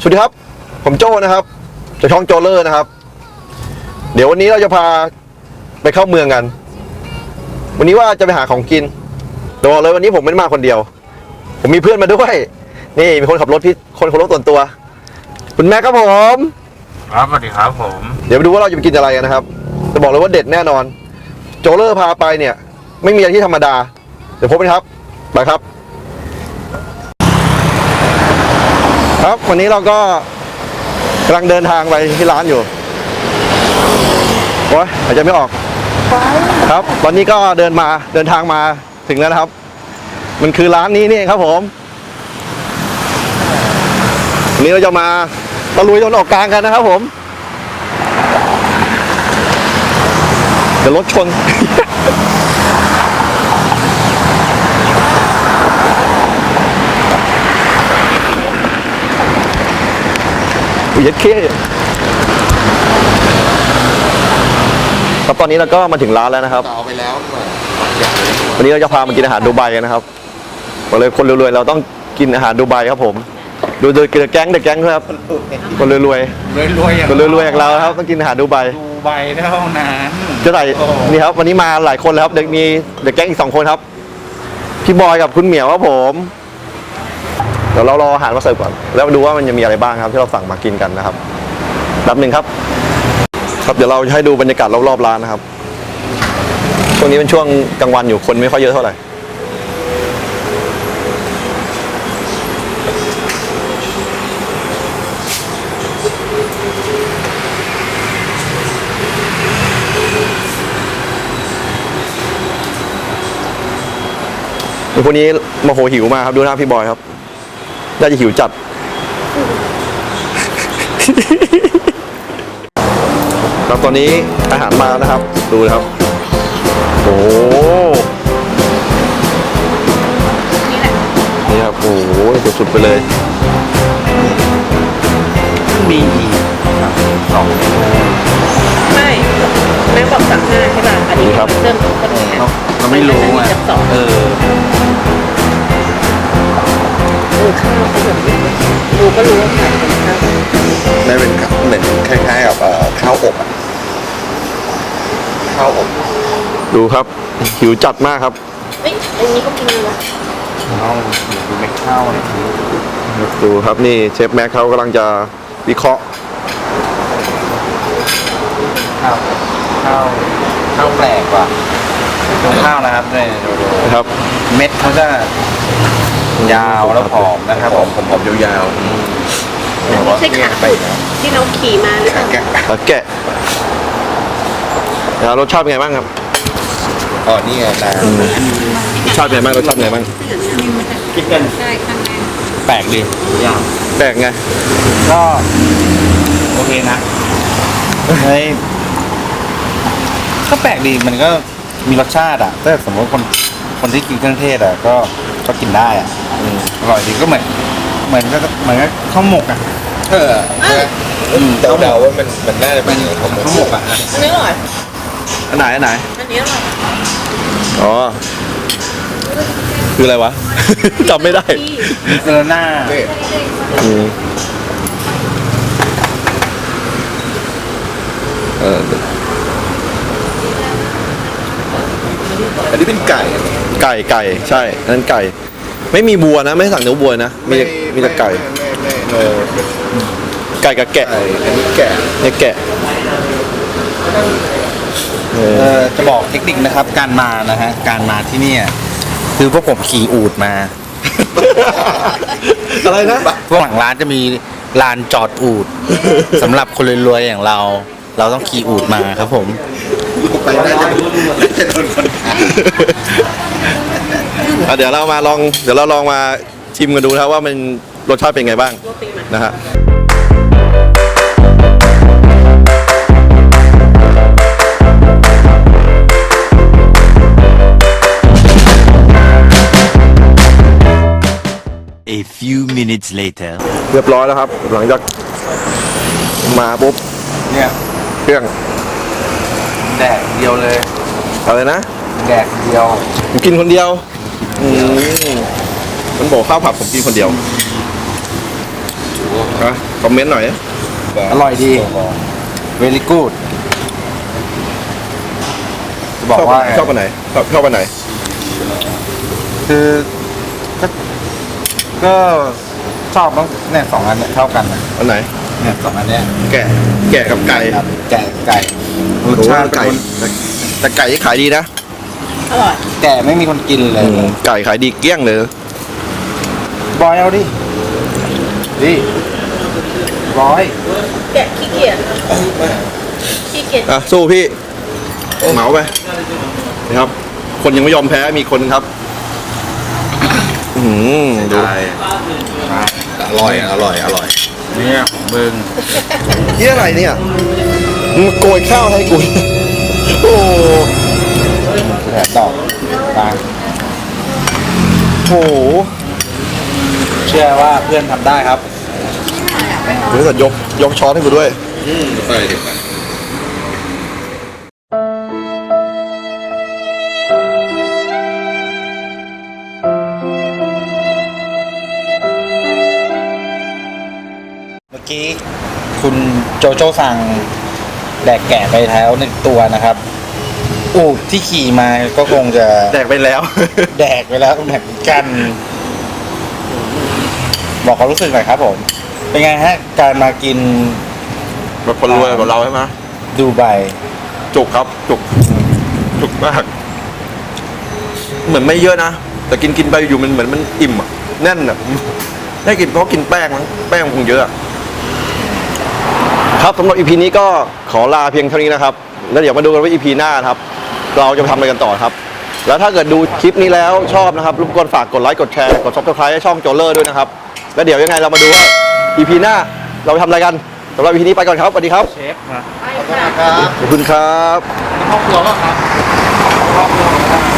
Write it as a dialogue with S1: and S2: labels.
S1: สวัสดีครับผมโจ้นะครับจากช่องโจเลอร์นะครับเดี๋ยววันนี้เราจะพาไปเข้าเมืองกันวันนี้ว่าจะไปหาของกินแต่บอกเลยวันนี้ผมไม่ได้มาคนเดียวผมมีเพื่อนมาด้วยนี่มีคนขับรถคนขับรถส่วนตัวคุณแม่ครับผม
S2: ครับสวัสดีครับผม
S1: เดี๋ยวไปดูว่าเราจะไปกินอะไรกันนะครับจะบอกเลยว่าเด็ดแน่นอนโจเลอร์พาไปเนี่ยไม่มีอะไรที่ธรรมดาเดี๋ยวพบกันครับไปครับครับวันนี้เราก็กำลังเดินทางไปที่ร้านอยู่โอ้ยหายใจไม่ออกครับตอนนี้ก็เดินทางมาถึงแล้วนะครับมันคือร้านนี้นี่ครับผมวันนี้เราจะมาตะลุยตะวันออกกลางกันนะครับผมเดี๋ยวรถชน เย็ดเข้ครับตอนนี้เราก็มาถึงร้านแล้วนะครับ
S2: เอาไปแล้ว
S1: วันนี้เราจะพามากินอาหารดูไบกันนะครับบอกเลยคนรวยๆเราต้องกินอาหารดูไบครับผมโดยเด็กแก๊งครับคนรวยคนรวยอย่างเราครับต้องกินอาหารดูไบ
S2: เท่านั้น
S1: จะไหนนี่ครับวันนี้มาหลายคนแล้วครับมีเด็กแก๊งอีก2 คนครับพี่บอยกับคุณเหมียวครับผมเดี๋ยวเรารออาหารมาเสิร์ฟก่อนแล้วดูว่ามันจะมีอะไรบ้างครับที่เราสั่งมากินกันนะครับแป๊บหนึ่งครับเดี๋ยวเราจะให้ดูบรรยากาศรอบๆร้านนะครับช่วงนี้เป็นช่วงกลางวันอยู่คนไม่ค่อยเยอะเท่าไหร่พวกนี้โมโหหิวมากครับดูหน้าพี่บอยครับน่าจะหิวจัด ครับตอนนี้อาหารมานะครับดูนะครับโอ้นี่ครับโอ้โหสุดๆไปเลย
S2: มีอีก2
S3: ไม่แม่บอกสั่ง5ใช่ป่ะอันนี้ครับเริ่มต้น
S2: เราไม่รู้อ่ะ
S3: ข้าวเขาแบบดูก็รู้ว่าขายเป็นข้าว
S1: ได้เป็นเหมือนคล้ายๆกับข้าวอบดูครับหิวจัดมากครับ
S3: เฮ้ยอันนี้ก็กินเลยนะ
S2: ดูไม่เข้าเลย
S1: ดูครับนี่เชฟแม็กเขากำลังจะวิเคราะห์
S2: ข้าวแปลกกว่าข้าวนะครับเนี่ย
S1: นะครับ
S2: เม็ดเขาจะยาวแล้วผอมนะครับผมยาวๆ
S3: ไม่ใช่ขาที่เราขี่มาหรือเปล่า
S1: ขาแกะรสชาติเป็นไงบ้างครับ
S2: อ๋อนี่ไงนะ
S1: รสชาติเป็นไงบ้าง
S2: กินกันแปลกดี
S1: แปลกไง
S2: ก็โอเคนะเฮ้ยก็แปลกดีมันก็มีรสชาติอ่ะถ้าสมมติคนที่กินเครื่องเทศอ่ะก็กินได้อ่ะอร่อยดีก็เหมือนข้าวหมกอ่ะ
S1: เดาว่ามันน่าจะเป็นข้าวหมกอ่ะ
S3: อันนี้อร่อย
S1: อันไหน
S3: อันนี้อร่อย
S1: อ๋อคืออะไรวะ จำไม่ได้
S2: เซอร์น่า
S1: อันนี้เป็นไก่ใช่นั่นไก่ไม่มีบัวนะไม่สั่งเนื้อบัวนะมีแต่ไก่ไก่กับแกะอันนี้แกะเนี่ยแกะ
S2: จะบอกเทคนิคนะครับการมาที่นี่คือพวกผมขี่อูฐมา
S1: อะไรนะ
S2: พวกหลังร้านจะมีลานจอดอูฐสำหรับคนรวยๆอย่างเราต้องขี่อูฐมาครับผม
S1: ไปน่าจะโดนคนเดี๋ยวเราลองมาชิมกันดูนะครับว่ามันรสชาติเป็นไงบ้างนะฮะ
S4: A few minutes later
S1: เรียบร้อยแล้วครับหลังจากมาปุ๊บ
S2: เนี่ย
S1: เครื่อง
S2: แดกเดียวเลย
S1: อะไรนะ
S2: แดกเดียว
S1: ผมกินคนเดียวมันบอกข้าวผัดผมกินคนเดียวคอมเมนต์หน่อย
S2: อร่อยดี very good จะบอกว่า
S1: ชอบอันไหนชอบอันไหน
S2: คือก็ชอบต้องเนี่ย2 อันเนี่ยเท่ากันนะ
S1: อันไหน
S2: เนี่ย2 อันเนี้ย
S1: แกะกับไก่
S2: ครับแกะไก่รสชาติ
S1: ไก่แต่ไก่ที่ขายดีนะ
S3: อร่อย
S2: แก่ไม่มีคนกินเลย
S1: ไก่ขายดีเกลี้ยงเลย
S2: บอยเอาดิบอย
S3: แกะขี้เกียจขี้เกียจ
S1: อ่ะสู้พี่เหมาไปนะครับ คนยังไม่ยอมแพ้มีคนครับดู
S2: อร่อยเนี่ยของมึง
S1: นี่อะไรเนี่ยมึงโกยข้าวให้กูโอ้
S2: แถมดอกบาง
S1: โห
S2: เชื่อว่าเพื่อนทำได้ครับ
S1: เดี๋ยวจะยกช้อนให้กูด้วย
S2: ใส่ดิเมื่อกี้คุณโจโจ้สั่งแดกแกะไปแล้ว1 ตัวนะครับอูฐที่ขี่มาก็คงจะ
S1: แดกไปแล้ว
S2: แดกไปแล้วเหมือนกัน บอกความรู้สึกหน่อยครับผม เป็นไงฮะ การมากิน
S1: แบบคนรวยแบบเราใช่ไหม
S2: ดูไบ
S1: จุกครับจุกมาก เหมือนไม่เยอะนะ แต่กินไปอยู่มันเหมือนมันอิ่มอะแน่นอะได้กินเพราะกินแป้งมั้งแป้งคงเยอะอะครับสำหรับ EP นี้ก็ขอลาเพียงเท่านี้นะครับ แล้วเดี๋ยวมาดูกันว่า EP หน้านะครับ เราจะไปทำอะไรกันต่อครับ แล้วถ้าเกิดดูคลิปนี้แล้วชอบนะครับรบกวนฝากกดไลค์กดแชร์กด Subscribe ให้ช่องโจเลอร์ด้วยนะครับ แล้วเดี๋ยวยังไงเรามาดูว่า EP หน้าเราไปทำอะไรกันสำหรับ EP นี้ไปก่อนครับสวัสดีครับ
S2: เชฟมา
S3: ไปค่ะ
S1: ขอบคุณครับ
S2: ครอบครัวป่ะครับครอบครัว